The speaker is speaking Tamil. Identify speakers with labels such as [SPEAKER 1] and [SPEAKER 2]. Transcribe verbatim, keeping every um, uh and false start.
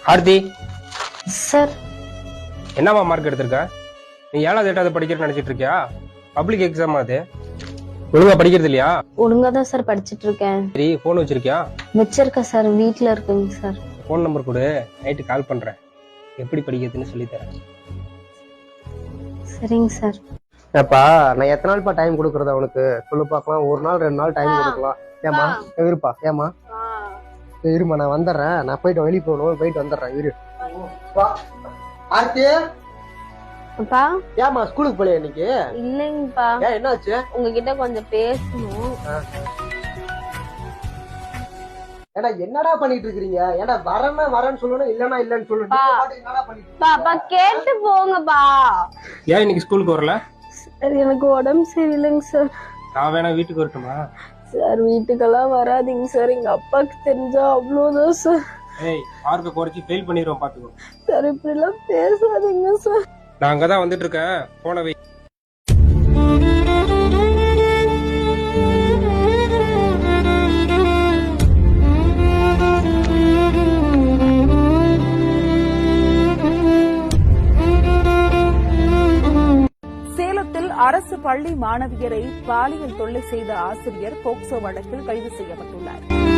[SPEAKER 1] ஆர்த்தி
[SPEAKER 2] சார்
[SPEAKER 1] என்னம்மா மார்க் எடுத்திருக்க? நீ ஏழாவது எட்டாவது படிக்கிறேன்னு நினைச்சிட்டு இருக்கியா? பப்ளிக் எக்ஸாம் அது. ஒழுங்கா படிக்கிறது இல்லையா?
[SPEAKER 2] ஒழுங்கா தான் சார் படிச்சிட்டு இருக்கேன்.
[SPEAKER 1] சரி, போன் வச்சிருக்கியா?
[SPEAKER 2] வச்சிருக்க சார், வீட்ல இருக்குங்க சார்.
[SPEAKER 1] போன் நம்பர் கொடு, நைட்டு கால் பண்றேன். எப்படி படிக்கிறதுன்னு சொல்லி தரேன்.
[SPEAKER 2] சரிங்க சார்.
[SPEAKER 3] ஏப்பா நான் எத்தனை நாள்ப்பா டைம் கொடுக்கறது அவனுக்கு சொல்லு பார்க்கலாம். ஒரு நாள் ரெண்டு நாள் டைம் கொடுக்கலாம். ஏமா இருப்பா, ஏமா இருமா, நான் வந்துடுறேன். நான் போயிட்டு வெளியே போகணும், போயிட்டு வந்துடுறேன். இரு ஆர்த்தி.
[SPEAKER 2] அப்பா
[SPEAKER 3] ஏமா ஸ்கூலுக்கு போலியா இன்னைக்கு?
[SPEAKER 2] இல்லைங்கப்பா.
[SPEAKER 3] ஏன் என்னாச்சு?
[SPEAKER 2] உங்ககிட்ட கொஞ்சம் பேசணும்.
[SPEAKER 3] ஏடா என்னடா பண்ணிட்டு இருக்கீங்க? ஏடா வரேன்னா வரேன்னு சொல்லணும், இல்லன்னா இல்லன்னு சொல்லணும். என்னடா பண்ணிட்டு
[SPEAKER 2] பாப்பா கேட்டு போங்கப்பா.
[SPEAKER 1] ஏன் இன்னைக்கு ஸ்கூலுக்கு வரல?
[SPEAKER 2] சார் எனக்கு உடம்பு சரியில்லைங்க சார்.
[SPEAKER 1] நான் வேணா வீட்டுக்கு வரட்டுமா?
[SPEAKER 2] சார் வீட்டுக்கெல்லாம் வராதிங்க சார், எங்க அப்பாக்கு தெரிஞ்சா அவ்வளவுதான் சார்.
[SPEAKER 1] ஏய், மார்க்கை குறைச்சி ஃபெயில் பண்ணிடுவோம், பாத்துக்கோ.
[SPEAKER 2] சார் இப்படி எல்லாம் பேசாதீங்க சார்.
[SPEAKER 1] நான் அங்கதான் வந்துட்டு இருக்கேன், போன வை.
[SPEAKER 4] சேலத்தில் அரசு பள்ளி மாணவியரை பாலியல் தொல்லை செய்த ஆசிரியர் போக்சோ வழக்கில் கைது செய்யப்பட்டுள்ளார்.